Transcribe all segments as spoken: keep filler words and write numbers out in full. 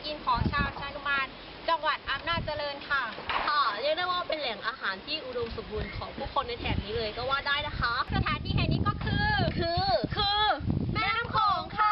กินของชาวชานุมานจังหวัดอำนาจเจริญค่ะค่ะเรียกได้ว่าเป็นแหล่งอาหารที่อุดมสมบูรณ์ของผู้คนในแถบนี้เลยก็ว่าได้นะคะสถานที่แห่งนี้ก็คือคือคือแม่น้ำโขงค่ะ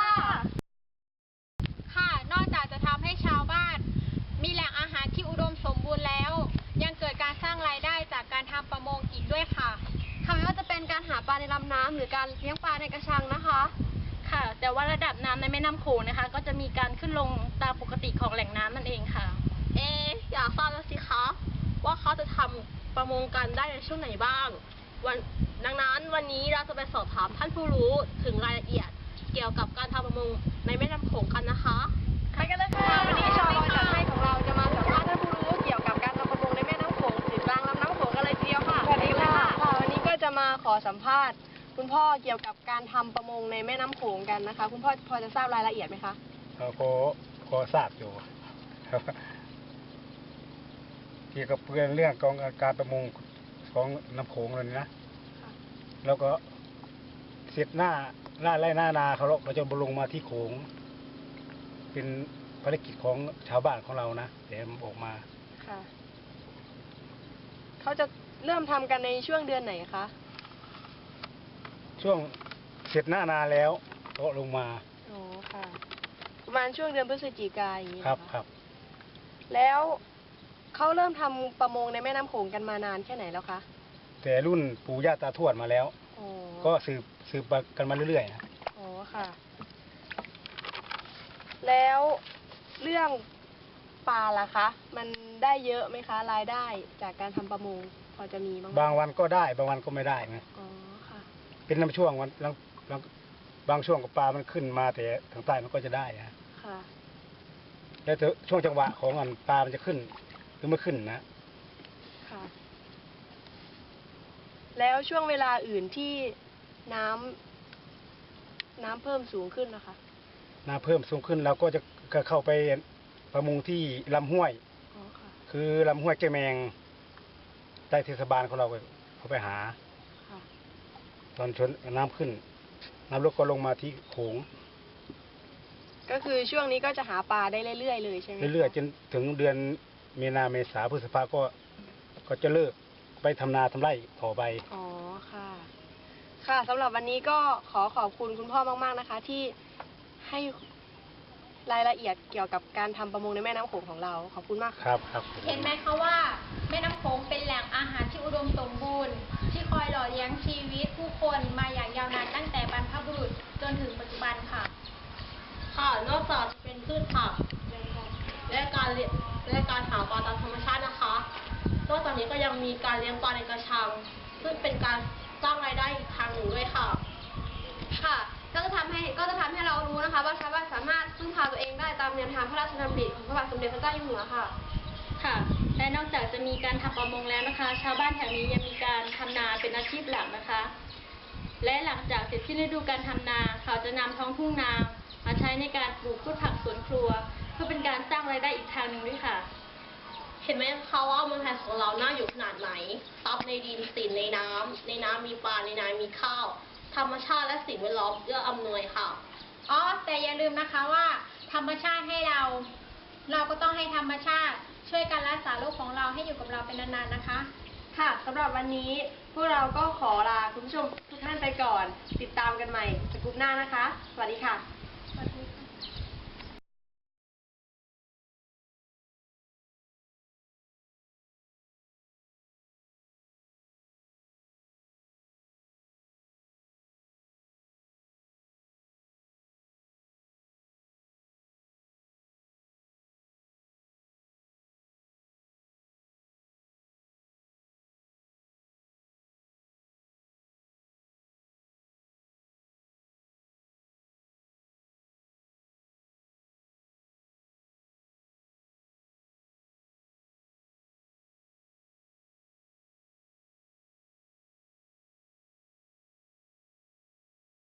ค่ะนอกจากจะทำให้ชาวบ้านมีแหล่งอาหารที่อุดมสมบูรณ์แล้วยังเกิดการสร้างรายได้จากการทำประมงอีกด้วยค่ะค่ะไม่ว่าจะเป็นการหาปลาในลำน้ำหรือการเลี้ยงปลาในกระชังนะคะค่ะแต่ว่าระดับน้ำในแม่น้ำโขงนะคะก็จะมีการขึ้นลงตามปกติของแหล่งน้ำนั่นเองค่ะเออยากทราบแล้วสิคะว่าเขาจะทำประมงกันได้ในช่วงไหนบ้างวันดังนั้นวันนี้เราจะไปสอบถามท่านผู้รู้ถึงรายละเอียดเกี่ยวกับการทำประมงในแม่น้ำโขงกันนะคะไปกันเลยค่ะวันนี้ชาวลอยจัดให้ของเราจะมาสัมภาษณ์ท่านผู้รู้เกี่ยวกับการทำประมงในแม่น้ำโขงถึงกลางลำน้ำโขงกันเลยทีเดียวค่ะสวัสดีค่ะค่ะวันนี้ก็จะมาขอสัมภาษณ์คุณพ่อเกี่ยวกับการทำประมงในแม่น้ำโขงกันนะคะคุณพ่อพอจะทราบรายละเอียดไหมคะพอพอทราบอยู่ครับเกี่ยวกับเรื่องเรื่องกองการประมงของน้ำโขงเลยนะแล้วก็เสร็จหน้าหน้าไร่หน้านาเขาเราจะบลงมาที่โขงเป็นภารกิจของชาวบ้านของเรานะเดี๋ยวออกมาค่ะเขาจะเริ่มทำกันในช่วงเดือนไหนคะช่วงเสร็จหน้านาแล้วก็ลงมาโอ้ค่ะประมาณช่วงเดือนพฤศจิกายนอย่างนี้ครับครับแล้วเขาเริ่มทำประมงในแม่น้ำโขงกันมานานแค่ไหนแล้วคะแต่รุ่นปู่ย่าตาทวดมาแล้วก็สืบสืบกันมาเรื่อยๆนะอ๋อค่ะแล้วเรื่องปลาล่ะคะมันได้เยอะไหมคะรายได้จากการทำประมงพอจะมีบ้างบางวันก็ได้บางวันก็ไม่ได้นะอ๋อค่ะเป็นน้ำช่วงวันบางช่วงกับปลามันขึ้นมาแต่ทางใต้มันก็จะได้นะค่ะแล้วช่วงจังหวะของอันปลามันจะขึ้นหรือไม่ขึ้นนะค่ะแล้วช่วงเวลาอื่นที่น้ำน้ำเพิ่มสูงขึ้นนะคะน้ำเพิ่มสูงขึ้นเราก็จะเข้าไปประมงที่ลำห้วยคือลำห้วยแกแมงใต้เทศบาลของเราเขาไปหาตอนชนน้ำขึ้นน้ำลดก็ลงมาที่โขงก็คือช่วงนี้ก็จะหาปลาได้เรื่อยๆเลยใช่ไหมเรื่อยๆจนถึงเดือนมีนาเมษาพฤษภาก็ก็จะเลิกไปทำนาทำไร่ต่อไปอ๋อค่ะค่ะสำหรับวันนี้ก็ขอขอบคุณคุณพ่อมากๆนะคะที่ให้รายละเอียดเกี่ยวกับการทำประมงในแม่น้ำโขงของเราขอบคุณมากครับครับเห็นไหมคะว่าแม่น้ำโขงเป็นแหล่งอาหารที่อุดมสมบูรณ์ที่คอยหล่อเลี้ยงชีวิตผู้คนมาอย่างยาวนานตั้งแต่บรรพบุรุษจนถึงปัจจุบันค่ะค่ะนอกจากเป็นพืชผักและการเลี้ยงและการหาปลาตามธรรมชาตินะคะนอกจากนี้ก็ยังมีการเลี้ยงปลาในกระชังซึ่งเป็นการสร้างรายได้อีกทางหนึ่งด้วยค่ะค่ะก็จะทำให้ก็จะทำให้เรารู้นะคะว่าชาวบ้านสามารถพึ่งพาตัวเองได้ตามแนวทางพระราชดำริของพระบาทสมเด็จพระเจ้าอยู่หัวค่ะค่ะและนอกจากจะมีการทำประมงแล้วนะคะชาวบ้านแถวนี้ยังมีการทำนาเป็นอาชีพหลักนะคะและหลังจากเสร็จสิ้นฤดูการทำนาเขาจะนำท้องทุ่งนามาใช้ในการปลูกพืชผักสวนครัวเพื่อเป็นการสร้างรายได้อีกทางหนึ่งด้วยค่ะเห็นไหมคะว่าเมืองไทยของเราน่าอยู่ขนาดไหนทรัพย์ในดินสินในน้ำในน้ำมีปลาในน้ำมีข้าวธรรมชาติและสิ่งแวดล้อมเอื้ออำนวยค่ะอ๋อแต่อย่าลืมนะคะว่าธรรมชาติให้เราเราก็ต้องให้ธรรมชาติช่วยกันรักษาโลกของเราให้อยู่กับเราเป็นนานๆนะคะค่ะสำหรับวันนี้พวกเราก็ขอลาคุณผู้ชมทุกท่านไปก่อนติดตามกันใหม่สกู๊ปหน้านะคะสวัสดีค่ะ